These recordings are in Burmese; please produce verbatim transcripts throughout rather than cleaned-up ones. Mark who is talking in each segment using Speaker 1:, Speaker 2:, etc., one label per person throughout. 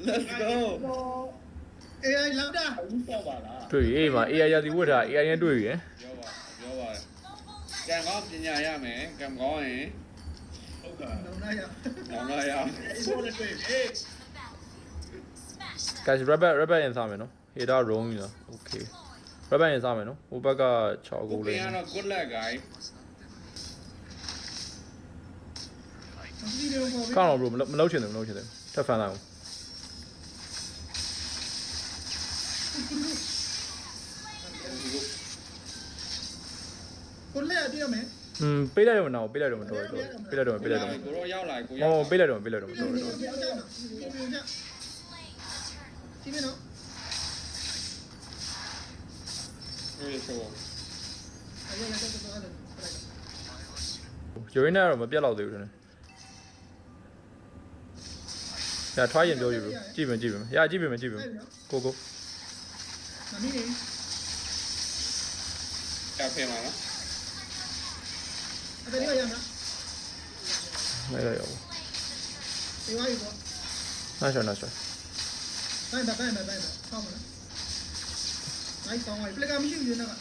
Speaker 1: let's go
Speaker 2: အေးလောက်တာ
Speaker 3: ဘူးဆောက်ပါလား
Speaker 4: တွေ့အေးမှာ A I ရာသီဝတ်ထား A I နဲ့တွေ့ရယ်
Speaker 1: ပြောပါပြောပါတယ်ကံကောင်းပညာရမယ်ကံကောင်းရင်
Speaker 3: ဟုတ်ကဲ့
Speaker 2: လုံးလိုက်ရ
Speaker 1: နောင်လာရ
Speaker 3: ဆိုတဲ့တွေ့ပြီ
Speaker 4: guys rabbit rabbit ရင်စားမယ်နော် header wrong လား okay rabbit ရင်စားမယ်နော်ဟိုဘက်က6ကို
Speaker 1: ကို
Speaker 4: လေး
Speaker 1: ပြန်တော့ good luck guys
Speaker 2: ဒီလိုပေါ့
Speaker 4: ကောင်းတော့ bro မလုပ်ချင်တယ်မလုပ်ချင်တယ်ထပ်ဖန်လိုက်အောင်
Speaker 2: ကိုလက်ရပြရမယ်
Speaker 4: อืมပေးလိုက်တော့မနာဘူးပေးလိုက်တော့မတော်တော့ပေးလိုက်တော့ပေးလိုက်တော့
Speaker 1: ကိုတော့ရောက်လာကို
Speaker 4: ဟော
Speaker 1: ရောက်
Speaker 4: ပေးလိုက်တော့ပေးလိုက်တော့မတော်တော့
Speaker 2: ပြောကြနော်ပြောကြကြည့်မနော်
Speaker 1: ပြေဆို
Speaker 2: အဲ့ဒါကတော့တော့အဲ့ဒါ
Speaker 4: ယူရင်းနဲ့တော့မပြတ်တော့သေးဘူးတဲ့။ညာထွားရင်ပြောယူလို့ကြည့်မယ်ကြည့်မယ်။ညာကြည့်မယ်ကြည့်မယ်ကိုကို
Speaker 2: မမီးနေ
Speaker 1: ကဖဲမှာနော်
Speaker 2: အဲ့ဒါရရမှာ
Speaker 4: လိုက်ရအောင်
Speaker 2: ဒီဝါရီပေါ့
Speaker 4: ။နားရှောင်းနားရှောင်း
Speaker 2: ဘိုင်ဘိုင်ဘိုင်ဘိုင်ဘိုင်ဆောင်းမလားနိုင်ဆောင်းဝိုင်ပလက်ကမရှိဘူးနော်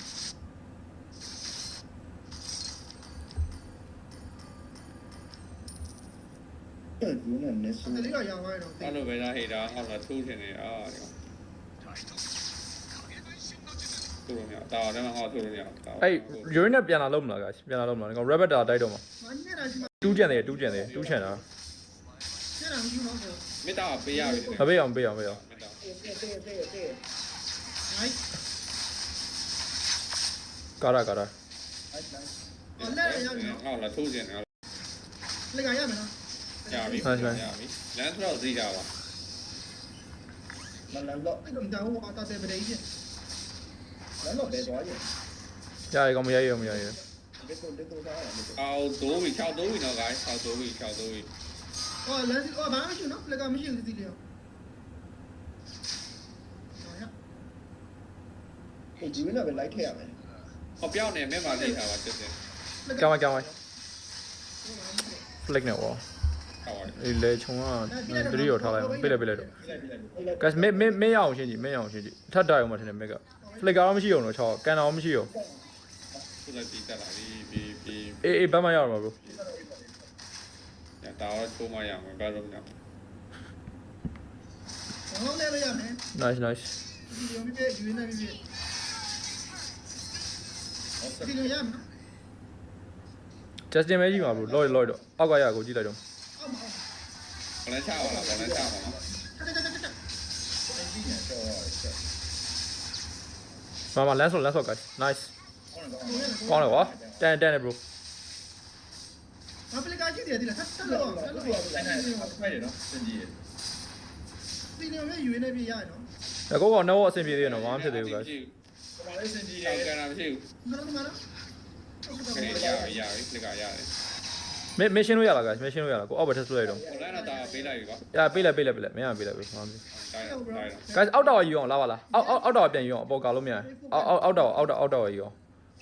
Speaker 3: ဘူးနဲ့နစ်ဆို
Speaker 2: အဲ့ဒါရရဝါရီတော့
Speaker 1: အဲ့လိုပဲလားဟေတာဟောလာထိုးချင်နေအာထိုးလို့မရတာတော့ဟောထိုးလို့မရ
Speaker 4: ။အဲ့ယူရင်းနဲ့ပြန်လာလို့မလားကပြန်လာလို့မလား။ကောင် rabbit တာတိုက်တော့မှာ
Speaker 2: မင်းနေတာဒီမှာ
Speaker 4: ။တူးကြံတယ်တူးကြံတယ်တူးချင်တာ
Speaker 2: ကျန်တာမရှိဘူးနော်
Speaker 1: မေတ္တာပေးရပြီ
Speaker 4: ။မပေးအောင်ပေးအောင်ပေးအောင်
Speaker 1: မေတ္တာ
Speaker 3: တဲ့တဲ့တဲ့တဲ့
Speaker 2: နိုင်
Speaker 4: ကာရာကာရာ
Speaker 2: အော်လက်ရရပြီနော်
Speaker 1: ဟောလာထိုးချင်တယ်
Speaker 2: လက်ကရမယ်နော်
Speaker 1: ရပြီရပြီလမ်းတော့သိတာပါ
Speaker 3: မလန်တော့
Speaker 2: အဲ့တော့ဒါဟိုအတာတဲ့ပဒေကြီး
Speaker 3: လန်တော့ပဲသွားရင်
Speaker 4: ။ရရကောင်မရရမရရ
Speaker 3: ဒီကိုဒီကိုသားရတယ်
Speaker 1: အော်တိုးပြီ၆တိုးပြီနော် guys ၆တိုးပြီ၆တိုးပြီ
Speaker 2: အော်လမ်းအော်ဘာမှမရှိဘူးနော်ပလက်ကမရှိဘူးဒီလေ
Speaker 3: ဒီဂျီဝင်းကပဲလိုက်ထည့်ရမယ်
Speaker 1: ဟောပြောင်းနေမဲ့ပါလိမ့်တာပါချက်ချင်း
Speaker 4: ။ကြောင်းကြောင်း flick နဲ့ဟော
Speaker 1: ဟောပါတယ်
Speaker 4: ။အေးလေချုံကတရီရောထားလိုက်ပေးလိုက်ပေးလိုက်တော့ guys မင်းမင်းမင်းရအောင်ရှင်းကြည့်မင်းရအောင်ရှင်းကြည့်ထပ်တိုင်အောင်မထင်နဲ့ mega flick ကတော့မရှိအောင်တော့6ကန်တော်မရှိအောင်
Speaker 1: သူလည်းတီးတက်လာပြီပြီပြီ
Speaker 4: အေးအေးဘတ်မရအောင်ပါ bro
Speaker 1: ညတာတော့ချိုးမရမယ်ဘာလို့မလဲ
Speaker 2: ဘာလို့လဲရမယ်
Speaker 4: nice nice
Speaker 2: ဒီလိုမျိုးပြယူနေပြီဒီလိုရမယ်
Speaker 4: justin ပဲကြည့်ပါ bro လော်လော်တော့အောက်ကရကိုကြည့်လိုက်တော့
Speaker 2: အော်မအော်
Speaker 1: ဘယ်နဲ့ချပါလားဘယ်နဲ့ချပါလား
Speaker 2: တက်တက်တက်တက်
Speaker 3: ဒီနဲ့တော့ဆက်
Speaker 4: မမလမ်းဆော့လမ်းဆော့ guys nice
Speaker 3: ကောင်းတော့
Speaker 4: ကောင်းတယ်ကွာတန်တန်တယ် bro
Speaker 2: ဘာပလက်ကရှိတယ်ဒီလားတက်လို့တက်လို့
Speaker 3: အဲ့ဒါဖိုက်ရနော်စင်ကြီးရ
Speaker 2: ဒီလိုမျိုးယူနေပြီရရနော်
Speaker 4: အကောကတော့အဆင်ပြေသေးတယ်နော်ဘာမှဖြစ်သေးဘူး guys
Speaker 3: ဒီမှာလေးစင်ကြီးရ
Speaker 1: အောက်ကနာမရှိဘူး
Speaker 2: မလို့မလို့
Speaker 1: ခရီးရရရပြီလက်ကရတယ်
Speaker 4: မင်းမရှင်းလို့ရလား guys မရှင်းလို့ရလားကိုအောက်ဘက်ထက်ဆွဲလိုက်တော့
Speaker 1: ဟိုလမ်းတော့တာပေးလိုက်ပြီကွာ
Speaker 4: ရပေးလိုက်ပေးလိုက်ပေးလိုက်မင်းကပေးလိုက်ပြီဘာမှမဖြစ်
Speaker 1: တိုင်းတိုင်း
Speaker 4: guys အောက်တော့ယူအောင်လာပါလားအောက်အောက်အောက်တော့ပြန်ယူအောင်အပေါ်ကလို့မရအောက်အောက်အောက်တော့အောက်တော့အောက်တော့ယူအောင်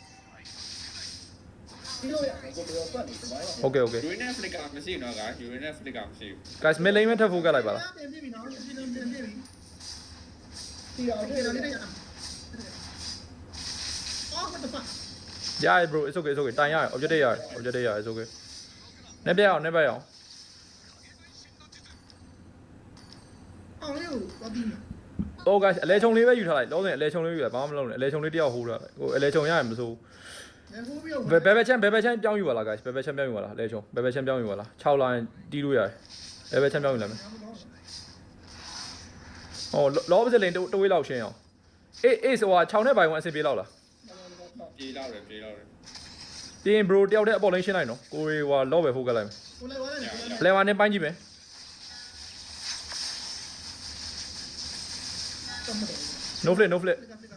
Speaker 3: ဒီလိုရကိုပြောပတ်နေသွားရ
Speaker 4: okay okay
Speaker 1: ယူရင်းနဲ့ဖလစ်ကမရှိဘူးနော်ကယူရင်းနဲ့ဖလစ်ကမရှိဘူး
Speaker 4: guys မင်းလိမ့်မထပ်ဖို့ကလိုက်ပါလား
Speaker 2: ပြန်ပြပြီနော်ဒီလိုပြန်ပြပြီ
Speaker 3: ဒီတော့
Speaker 2: โอเค
Speaker 3: ဒီ
Speaker 2: တော့
Speaker 3: လို
Speaker 2: လေး
Speaker 3: လေး
Speaker 2: ရအော်မတဖာ
Speaker 4: ရရ bro it's okay it's okay တိုင်ရ objective ရ objective ရ it's okay နေပြအောင်နေပြအောင်
Speaker 2: အော်လေးကိုတော့ပြီး
Speaker 4: oh guys အလဲချုံလေးပဲယူထားလိုက်လုံးစင်အလဲချုံလေးယူလိုက်ဘာမှမလုပ်နဲ့အလဲချုံလေးတယောက်ဟိုးထားလိုက်ဟိုအလဲချုံရရင်မစိုး
Speaker 2: ဘယ်ဟိုးပြီးတော့
Speaker 4: ဘယ်ဘယ်ချမ်းဘယ်ဘယ်ချမ်းပြောင်းယူပါလား guys ဘယ်ဘယ်ချမ်းပြောင်းယူပါလားအလဲချုံဘယ်ဘယ်ချမ်းပြောင်းယူပါလား6 line တီးလို့ရတယ်ဘယ်ဘယ်ချမ်းပြောင်းယူလိုက်မယ်ဟောလောပစလင်တဝေးလောက်ရှင်းအောင်အေးအေးဆိုဟာ6နဲ့ဘိုင်ဝင်အဆင်ပြေလောက်လား
Speaker 1: ပြေးတော့တယ်ပြေးတော့တယ်
Speaker 4: တင်း bro တယောက်တည်းအပေါ်လင်းရှင်းလိုက်နော်ကိုရီဟွာလော့ပဲဖိုးကလိုက်မယ်
Speaker 2: ကိုလိုက်သွားတယ်
Speaker 4: ပလဲဝါနဲ့ပိုင်းကြည့်မယ် no flip no flip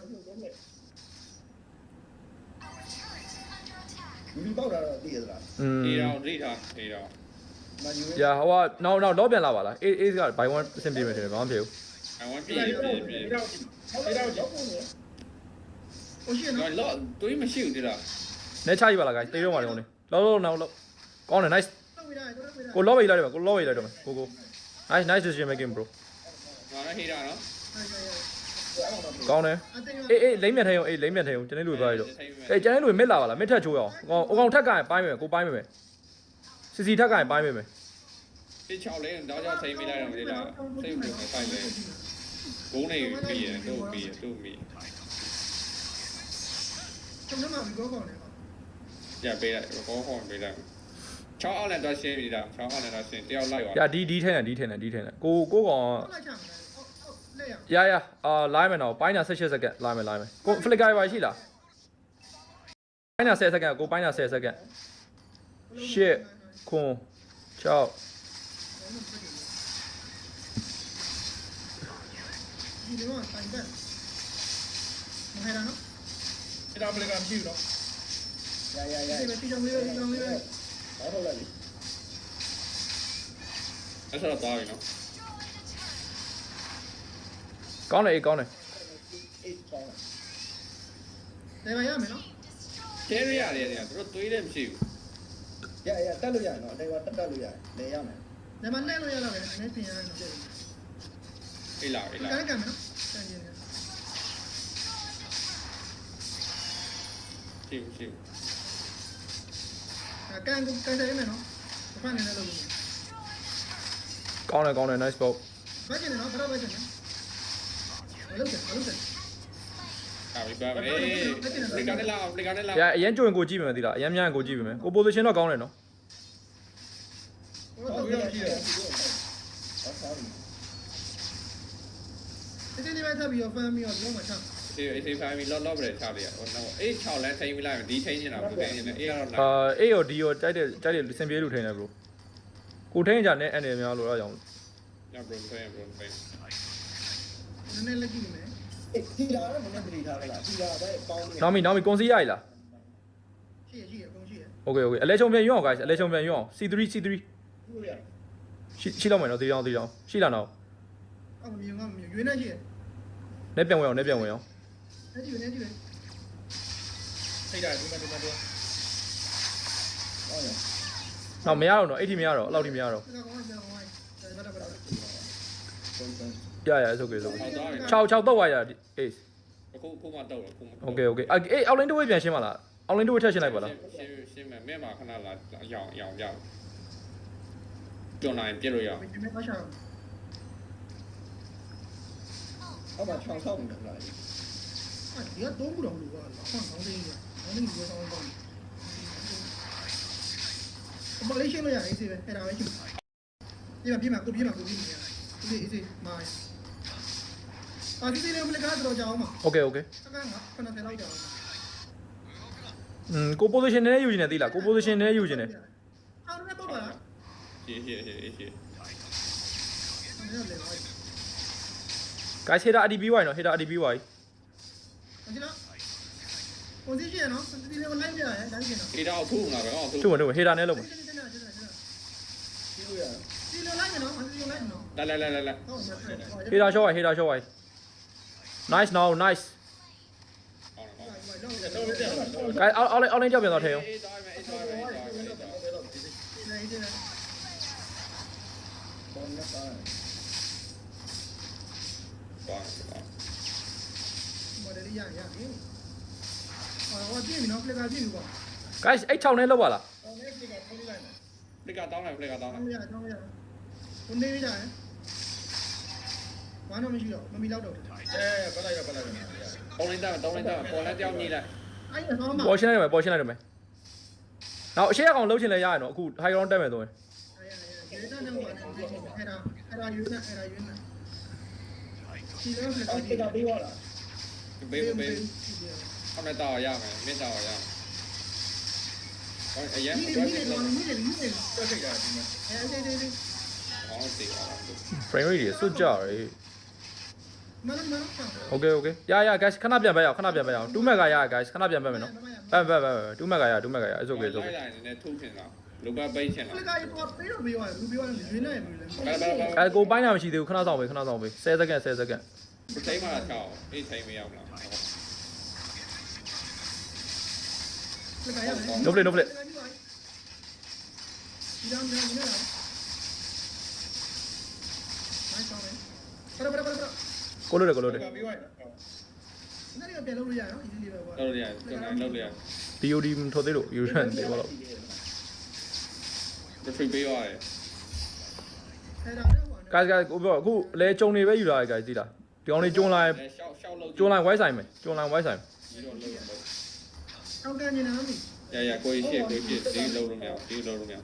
Speaker 3: ဒီပေါက်တာတော့သိရသလား
Speaker 4: อืม
Speaker 1: အေးတော့ဒိထားအေးတော့
Speaker 3: မယူ
Speaker 4: ရာဟိုကနောက်နောက်လော့ပြန်လာပါလားအေးအေးကဘိုင်ဝင်အဆင်ပြေမယ်ထင်တယ်ဘာမှမဖြစ်ဘူး
Speaker 1: I want ပြေးပြေးပြေး
Speaker 3: တော့အဲ့တော့ရောက်ကုန်တယ်
Speaker 2: ဟိုရှိနော်
Speaker 1: တော့လောတွေးမရှိဘူးတိလား
Speaker 4: နဲချကြည့်ပါလား guys တေးတော့မှာလုံးနေလောလောနောက်လောကောင်းတယ် nice
Speaker 2: တော့ဝိဒါတော့ဝိဒါ
Speaker 4: ကိုလော့ပဲလိုက်တယ်ကိုလော့ပဲလိုက်တော့မယ်ကိုကို nice nice decision making bro
Speaker 1: ဟေးတာနော်
Speaker 4: ကောင်းတယ်အေးအေးလိမ့်မြတ်ထဲအောင်အေးလိမ့်မြတ်ထဲအောင်ကျန်တဲ့လူသွားရတော့အေးကျန်တဲ့လူမစ်လာပါလားမစ်ထက်ချိုးအောင်အကောင်အကောင်ထက်ကရင်ပိုင်းမယ်ကိုပိုင်းမယ်စီစီထက်ကရင်ပိုင်းမယ်
Speaker 1: ဒီချောက်လေးတော့ကြောက်ထိမိလိုက်တော့ဒီလားစိတ်ဝင်ဖိုက်လေဘုံနေပြီးရတော့ပြီးရတော့ပြီး
Speaker 2: ကျွန်တော်မှပြောကောင်းတယ်
Speaker 1: ရပေးလိုက်ဘောဟောပေးလိုက်ချောက်အောင်လည်းတော့ရှင်းပြီလားချောက်အောင်လည်းတော့ရှင်းတယောက်လိုက်ပါ
Speaker 4: ။ညာဒီဒီထဲနဲ့ဒီထဲနဲ့ဒီထဲနဲ့ကိုကိုကောင်
Speaker 2: လိုက်ချမှာဟုတ်ဟုတ်လက်ရ
Speaker 4: ရရအာလိုင်းမယ်တော့ပိုင်းနာ၁၈စက္ကန့်လိုင်းမယ်လိုင်းမယ်ကိုဖလစ်ကာပါရှိလားပိုင်းနာ၁၀စက္ကန့်ကိုပိုင်းနာ၁၀စက္ကန့်ရှစ်ခွန်၆
Speaker 2: ဒီလိုကတိုင်တက်မဟဲ့နော်
Speaker 5: အဲ့ဒါဘယ်ကမရှိဘူးတော့
Speaker 3: ရရရ
Speaker 2: ဒီလိုတီချောင်းလေးတီချောင်းလေး
Speaker 3: ဘာလို့လဲလေ
Speaker 1: အဲ့ဆိုတော့သွားပြီနော်
Speaker 4: ကောင်းတယ်အေးကောင်းတယ်
Speaker 3: အေးကောင်းတယ်
Speaker 2: နေပါရမယ်နော်
Speaker 1: ကျဲရရတယ်ကသူတို့တွေးတယ်မရှိဘူး
Speaker 3: ရရတက်လို့ရနော်အတိုင်းကတက်တက်လို့ရတယ်နေရမယ်
Speaker 2: နေမနဲ့လို့ရတော့ပဲနည်းပြင်ရတယ်နော်
Speaker 1: အေးလာအေးလာ
Speaker 2: ကဲကဲမယ်နော်တန်ကျင်တယ်
Speaker 1: ရှိရှိ
Speaker 2: အဲကန်ကန်တယ်မယ်နော်ဘာနဲ့လဲလို့
Speaker 4: ကောင်းတယ်ကောင်းတယ် nice ball
Speaker 2: ဘာကျင်နော်ဘာတော့ဘာကျင်နော်ဘာလို့လဲဘာလို့လဲ
Speaker 1: အာဘီပါမေလေကနေလာလေကနေလာ
Speaker 4: ရအရင်ကြိုရင်ကိုကြည့်မယ်သီလားအရင်များရင်ကိုကြည့်ပြီမယ်ကို position တော့ကောင်းတယ်နော်
Speaker 2: ဘာတော့ကြည့်ရ
Speaker 3: ဟောဆောင်း
Speaker 2: ဒီနေ့ပဲထပ်ပြီးတော့ဖမ်းပြီးတော့လုံးမချ
Speaker 1: ဒီအေးဖေးဖိုင်မီလော့လော့ပဲထားလိုက်ရဟိုတော့အေး6လမ်းထိမလိုက်ဒီထိနေတာဘူးထိနေအေးကတော့လာ
Speaker 4: အာအေးရောဒီရောတိုက်တဲ့တိုက်တဲ့စင်ပြေးလူထိန်တယ် bro ကိုထိန်ကြနဲ့အနေများလို့အဲ့ကြောင့်
Speaker 1: ညဘရုံဖေးဘရုံဖေး
Speaker 2: နည်းနည်းလက်ကြည့်မယ်
Speaker 3: အေးဒီလာတော့မနေ့တတိထားလိုက်ဒီလာပဲပေါင်းနေ
Speaker 4: နောက်မီနောက်မီကွန်စီရည်လား
Speaker 2: ရှိရရှိရအကုန်ရှိရ
Speaker 4: okay okay အလဲချုံပြန်ရွအောင် guys အလဲချုံပြန်ရွအောင် C three C three
Speaker 3: ဘူးရ
Speaker 4: ရှိရှိတော့မယ်နော်ဒီကြောင်ဒီကြောင်ရှိလားနော်
Speaker 2: အော်မမြင်ကမမြင်ရွေးနေရှိရ
Speaker 4: နဲ့ပြန်ဝင်အောင်နဲ့ပြန်ဝင်အောင်
Speaker 2: လက်ကြည့်နေကြည့်နေ
Speaker 5: ထိတ်တာဒီမှာဒီမှာတော့
Speaker 3: ဟောရ
Speaker 4: နောက်မရတော့နော်အဲ့ဒီမရတော့အဲ့လောက်ဒီမရတော့
Speaker 2: ဒါကောင်ကဒါကောင်ကဒါဘာတော့ဘာတော့
Speaker 3: ပုံစံ
Speaker 4: ရရဆိုကေဆို
Speaker 1: ဟောသွားပြီ
Speaker 4: 6 6တော့ဝါရအေး
Speaker 1: အခုခုမှတော့ခုမှ
Speaker 4: okay okay အေးအောက်လိုင်းတစ်ဝေးပြန်ရှင်းပါလားအောက်လိုင်းတစ်ဝေးထပ်ရှင်းလိုက်ပါလား
Speaker 1: ရှင်းရှင်းမယ်မဲ့မှာခဏလာရောင်ရောင်ကြကျွန်းနိုင်ပြစ်လို့ရအောင်
Speaker 2: ဒီမဲ့ပါရှာ
Speaker 3: ဟောမှာချောင်းဆောက်နေတယ်လား
Speaker 2: အဲဒီကတော့ဘူးတော့လို့ကဆောင်းဆောင်းလေးကဆောင်းလေးကိုဆောင်းဆောင်းအမလေးရှင်းလို့ရအေးစေပဲအဲ့ဒါပဲရှင်းပြမပြမကိုပြမကိုပြမရအေးအေးစေမိုင်းအာဒီလေးမလကတော့ကြောင်းမှာ
Speaker 4: okay okay
Speaker 2: စကန်ကခဏထလိုက်ကြအောင်
Speaker 4: อืมကို position နဲ့ယူနေသေးလားကို position နဲ့ယူနေတယ်
Speaker 2: အော်လည်းတော့ပါလား
Speaker 1: ရှင်းရှင်းရှင်းရှင်း
Speaker 2: အဲ့ဒါလည်းဟုတ်
Speaker 4: guys header A D B Y နော် header A D B Y
Speaker 2: ဒီလား position နော်ဒီလေးကိုလိုက်ပြရဲဒါကြီးနော်
Speaker 1: အေးတော့ထုလာပဲဟောထု
Speaker 4: သူ့ဝင်သူ့ဝင် header နဲ့လုံးမယ်
Speaker 3: ပြီးလို့ရ
Speaker 2: ဒီလိုလိုက်နော်ဒီလိုလိုက်နော်
Speaker 1: လာလာလာလာလာ
Speaker 2: ဟုတ်ပါဘူး
Speaker 4: header shot ဝိုင် header shot ဝိုင် nice now nice
Speaker 1: အောင်တော့
Speaker 5: တော့တက်တော့
Speaker 4: guys အောက်အောက်အောက်လိုင်းကြောက်ပြန်တော့ထဲအောင်
Speaker 1: အေးသွားမယ်အေးသွားမယ်အေးသွားမယ်အေးသွားမယ်
Speaker 2: နေနေ
Speaker 3: ပေါ်နေတာ
Speaker 1: သွားသွား
Speaker 2: မော်ဒယ်ရရရအော်ဒီမီနော်ဖလက်ကကြည့်ဘူးကွာ
Speaker 4: guys အဲ့6နဲ့လောက်ပါလား
Speaker 2: အော်လည်းဒီကထိုးလိုက်တယ်
Speaker 1: ဖလက်ကတောင်းလိုက်ဖလက်ကတောင်းလို
Speaker 2: တော
Speaker 1: က်
Speaker 2: င်းရတောင်းရဘုန်းနေကြတယ်ဘာမှမရှိတော့မမီတော့တော့
Speaker 5: အဲပတ်လိုက်တော့ပတ်လိုက်တော့
Speaker 1: တောင်းလိုက်တာတောင်းလိုက်တာပေါ်လမ်းကြောင်းညီလိုက်
Speaker 2: အဲ့ဒါတော့မှ
Speaker 4: ပေါ်ရှင်းလိုက်တယ်ပေါ်ရှင်းလိုက်တယ်မယ်နောက်အရှိအကောင်လှုပ်ချင်လဲရရနော်အခု high ground တက်မယ်ဆိုရင်
Speaker 2: အဲ့ဒါတော့မှအဲ့ဒါအဲ့ဒါယူနေအဲ့ဒါယူနေဒီလိုဖလက်
Speaker 3: အော်
Speaker 2: ကြ
Speaker 3: ဒီ
Speaker 2: ည့်
Speaker 3: ကပေးသွားတာ
Speaker 1: ဘေးဘေးအမေတောင်းရမယ်မင်းတောင်းရမယ်ဟောအရင်
Speaker 2: ဒီ
Speaker 1: တော့
Speaker 2: ဒီ
Speaker 1: ဒီ
Speaker 2: ဒီ
Speaker 1: လို
Speaker 2: ဒီဒီဒီ
Speaker 5: တက်ထိတ်တာဒီမှာ
Speaker 2: အဲ့ဒီဒီဒီ
Speaker 1: အော်တေးအောင်
Speaker 4: frame rate တွေစွတ်ကြရယ်
Speaker 2: မနမန
Speaker 4: okay okay ရရ guys ခဏပြန်ပဲရအောင်ခဏပြန်ပဲရအောင်2 meg ကရရ guys ခဏပြန်ပဲမယ်နော်ပဲပဲပဲ2 meg ကရ2 meg ကရ it's okay it's okay
Speaker 1: လိုက်လိုက်နေထုတ်ချင်တာလူပတ်ပိတ်ချင်
Speaker 2: ဖ
Speaker 1: တာ
Speaker 2: လက်ကရတော့ပေးတော့ပေးရတယ်လူပေးရတယ်ယူနေပြီလေ
Speaker 1: ဘာဘာဘာ
Speaker 4: အဲကိုပိုင်းတာမရှိသေးဘူးခဏဆောင်ပဲခဏဆောင်ပဲ10 second 10 second
Speaker 1: ထိမှလာချောင်းအေးထိမရောက်လား
Speaker 2: ဖလက်ကရမယ်
Speaker 4: no play no play
Speaker 2: ဒီတော့ဒီတော့မိုင်းဆောင်မယ်ဘရဘရဘရ
Speaker 4: ကိုလို့တယ်ကိုလို့တယ်
Speaker 5: ပြီးသွားရင်
Speaker 2: 那个别露脸啊，一直里边吧。
Speaker 1: လောက်လို့ရတယ်ကျွန်တော်လောက်လို့ရတယ်
Speaker 4: ဒီ O D မထုတ်သေးလို့ Uran သေးပါတော့
Speaker 1: refresh ပေးရတယ်
Speaker 2: 哎，然后呢？
Speaker 4: guys guys ကိုပြောအခုလဲကြုံနေပဲယူလာတယ် guys သိလားဒီကောင်လေးကျုံလိုက်
Speaker 1: ရှောက်ရှောက်လောက်
Speaker 4: ကျုံလိုက် white ဆိုင်မယ်ကျုံလိုက် white ဆိုင်
Speaker 1: ဒီတော့လောက်လောက်
Speaker 2: 刚干你哪里？
Speaker 1: ရရကိုရှိကိုရှိဒီလောက်လို့မရဒီလောက်လို့မရ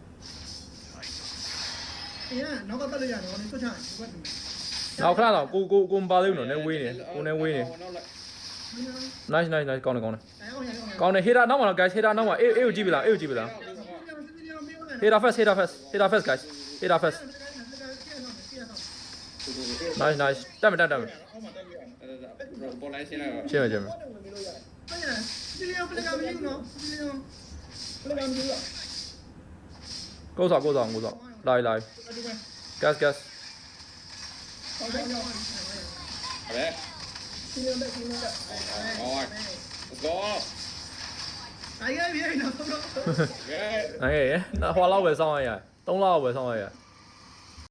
Speaker 2: 哎呀，那个不露脸，我你做啥？你管你。
Speaker 4: နောက်ခဏတော့ကိုကိုကိုမပါသေးဘူးနော်နည်းဝေးနေကိုနည်းဝေးနေ nice nice nice ကောင်းတယ်ကောင်းတယ်
Speaker 2: 哎，我想我想。
Speaker 4: ကောင်းတယ် hater နောက်မှာတော့ guys hater နောက်မှာအေးအေးကိုကြည့်ပြီလားအေးကိုကြည့်ပြီလား hater first hater first hater first guys hater first nice nice တက်မယ်တက်တက်မယ်
Speaker 5: အောက်မှာတက်လို့ရတယ်
Speaker 1: ပေါ်လိုက်ရှင်းလိုက်ပါ
Speaker 4: ရှင်းမယ်ရှင်းမယ်
Speaker 2: 哎呀，这里要不那个没有喏，这里要。
Speaker 3: ဘယ်ကောင်မျိုးလဲ
Speaker 4: ကိုးဆောင်ကိုးဆောင်ကိုးဆောင်လာလာ
Speaker 5: ဒီမဲ့
Speaker 4: gas gas
Speaker 3: ဟုတ်တယ်နော်
Speaker 1: ဟဲ့
Speaker 3: ရှင်းနေတယ်ရှင်းနေတယ်
Speaker 1: ဟော let's go
Speaker 2: 哎呀，别那不咯。
Speaker 1: ကဲ
Speaker 4: အေးဟွာလောက်ပဲစောင်းရရသုံးလောက်ပဲစောင်းရရ